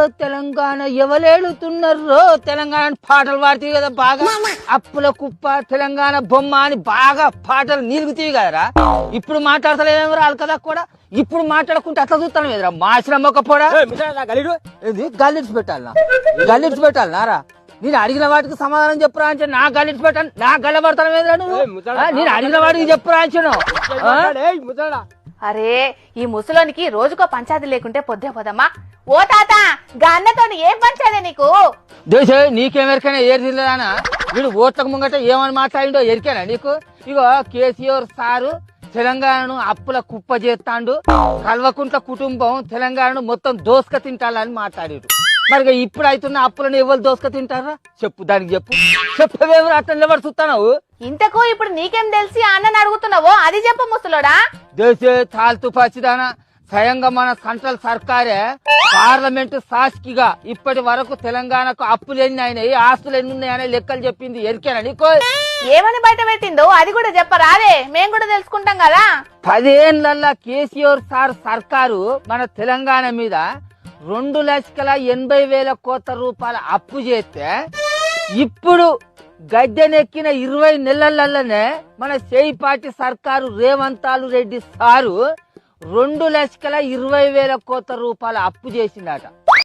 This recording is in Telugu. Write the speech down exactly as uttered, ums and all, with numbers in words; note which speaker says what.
Speaker 1: తెలంగాణ ఎవలేడుతున్నారో తెలంగాణ పాటలు పాడుతాయి కదా బాగా. అప్పుల కుప్ప తెలంగాణ బొమ్మ అని బాగా పాటలు నిలుగుతాయి కదరా. ఇప్పుడు మాట్లాడతలేమేమో రాదు కదా కూడా. ఇప్పుడు మాట్లాడుకుంటే అట్లా చూస్తాను ఎదురా మాసిన ఒక పొడ గల్లిడ్స్ పెట్టాలనా గల్లిడ్స్ పెట్టాలనారా. నేను అడిగిన వాటికి సమాధానం చెప్పురా అంటే నా గల్లిడ్స్ పెట్టాను నా గల్ల పడతాను ఎదురా నువ్వు. నేను అడిగిన వాటికి చెప్పురా అంచను.
Speaker 2: అరే ఈ ముసలోనికి రోజుకో పంచాయతీ లేకుంటే పొద్దే పోదమ్మా. ఓ తాత గన్నతో ఏం పంచాదే నీకు?
Speaker 1: దేశ నీకేమెరికైనా ఏరు తిరలేదానా? వీడు ఓట్లకు ముంగట ఏమని మాట్లాడిండో ఎరికేనా నీకు? ఇగో కేసీఆర్ సారు తెలంగాణను అప్పుల కుప్ప చేస్తాండు, కల్వకుంట్ల కుటుంబం తెలంగాణను మొత్తం దోసుక తింటాలని మాట్లాడారు. మరి ఇప్పుడు అవుతున్న అప్పులను ఎవరు దోసుక తింటారా చెప్పు, దానికి చెప్పు చెప్పవేమో అట్లా నిలబడి చూస్తావు.
Speaker 2: ఇంతకు ఇప్పుడు నీకేం తెలిసి అన్నని అడుగుతున్నావో అది చెప్పు ముసలోడా.
Speaker 1: దేశే తాల్తూ పచ్చిదానా, స్వయంగా మన సెంట్రల్ సర్కారే పార్లమెంటు సాక్షిగా ఇప్పటి వరకు తెలంగాణకు అప్పులు ఎన్ని అయినాయి ఆస్తులు ఎన్ని ఉన్నాయనే లెక్కలు చెప్పింది. ఎరికేనా నీకో?
Speaker 2: ఏమని బయట పెట్టిందో అది కూడా చెప్పరాదే, మేం కూడా తెలుసుకుంటాం కదా.
Speaker 1: పదేళ్లల్లా కేసీఆర్ సార్ సర్కారు మన తెలంగాణ మీద రెండు లక్షల ఎనభై వేల కోట్ల రూపాయల అప్పు చేస్తే ఇప్పుడు గద్దెనెక్కిన ఇరవై నెలలనే మన చేయిపాటి సర్కారు రేవంతాలు రెడ్డి సారు రెండు లక్షల ఇరవై వేల కోట్ల రూపాయల అప్పు చేసిందట.